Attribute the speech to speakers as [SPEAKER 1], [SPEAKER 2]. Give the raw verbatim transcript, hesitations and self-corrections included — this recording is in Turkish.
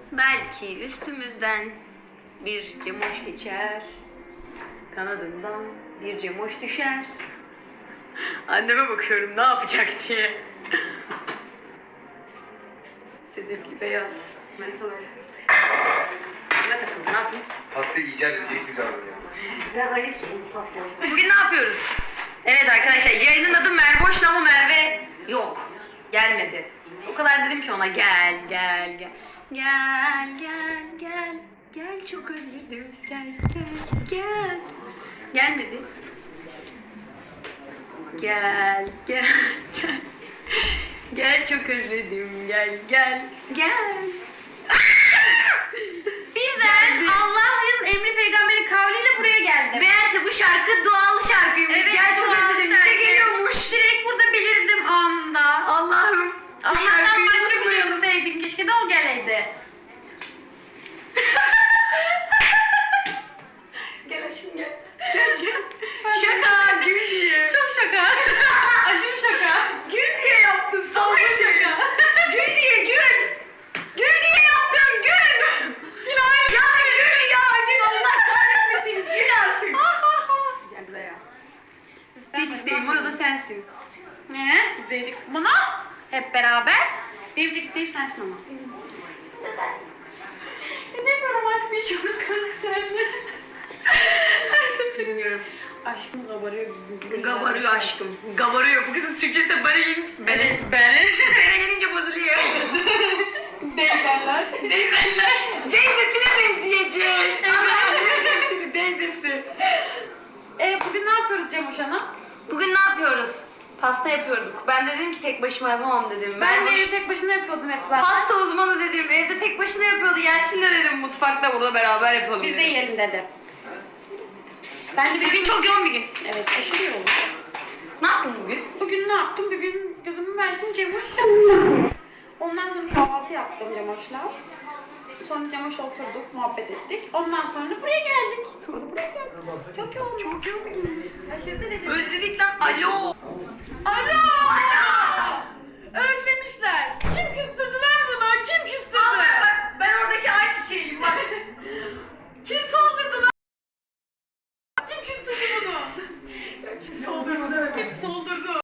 [SPEAKER 1] Belki üstümüzden bir cemoş geçer, kanadından bir cemoş düşer. Anneme bakıyorum ne yapacak diye. Sedefli beyaz. Marisol ne takıldı, ne yapayım?
[SPEAKER 2] Pastayı icat edecek bir davranıyor.
[SPEAKER 1] Ben ayıpsın. Bugün ne yapıyoruz? Evet arkadaşlar, yayının adı Mervoş'la ama Merve yok. Gelmedi. O kadar dedim ki ona gel gel gel. Gel gel gel. Gel çok özledim. Gel gel gel. Gelmedi. Gel gel gel. Gel çok özledim. Gel gel gel. Birden Allah'ın emri peygamberin kavliyle buraya geldim. Meğerse bu şarkı doğal şarkıymış.
[SPEAKER 3] Evet,
[SPEAKER 1] Gel çok
[SPEAKER 3] doğal
[SPEAKER 1] özledim.
[SPEAKER 3] şarkı.
[SPEAKER 1] Bize geliyormuş.
[SPEAKER 3] Direkt burada belirdim anında.
[SPEAKER 1] Allah'ım.
[SPEAKER 3] Allah'tan başka bir şey isteydin. Keşke de o geleydi.
[SPEAKER 1] Gel aşkım gel. Gel gel. Şaka gül diye.
[SPEAKER 3] Çok şaka. Aşırı şaka.
[SPEAKER 1] Gül diye yaptım. Salak şaka. Gül diye gül. Gül diye yaptım gül. Gül ya gül ya gül. Allah kahretmesin. Gül artık. Gel buraya. Tek isteğim orada sensin.
[SPEAKER 3] Ne? İzledik bunu. Hep beraber. Benim tek isteğim sensin ama. Ne bir romantik bir işimiz kanka seninle. Her seferinde. Aşkım kabarıyor.
[SPEAKER 1] Gabarıyor aşkım. Gabarıyor. Bu kızın Türkçesi de bana gelin.
[SPEAKER 3] Evet, ben.
[SPEAKER 1] Bana gelince bozuluyor.
[SPEAKER 3] Deyzenler.
[SPEAKER 1] Teyzenler. Teyzesine benzeyecek. Evet. Teyzesi.
[SPEAKER 3] E, bugün ne yapıyoruz Cemoş Hanım?
[SPEAKER 1] Bugün ne yapıyoruz? Pasta yapıyorduk. Ben de dedim ki tek başıma yapamam dedim.
[SPEAKER 3] Ben de
[SPEAKER 1] boş-
[SPEAKER 3] evi tek başına yapıyordum hep zaten.
[SPEAKER 1] Pasta uzmanı dedim. Evde tek başına yapıyordu. Gelsin de dedim mutfakta burada beraber yapalım.
[SPEAKER 3] Biz de
[SPEAKER 1] dedim.
[SPEAKER 3] yiyelim dedi. Ben de
[SPEAKER 1] Bugün çok yoğun bir gün.
[SPEAKER 3] Evet, aşırı yoğun.
[SPEAKER 1] Ne yaptın bugün?
[SPEAKER 3] Bugün ne yaptım? Bugün gözümü açtım Cemoş yaptım. Ondan sonra kahvaltı yaptım Cemoş'la. Sonra Cemoş'la oturduk, muhabbet ettik. Ondan sonra buraya geldik. Sonra buraya geldik. Çok yoğun. Çok yoğun bir gün. Aşırı derecede.
[SPEAKER 1] Özledik lan. Alo.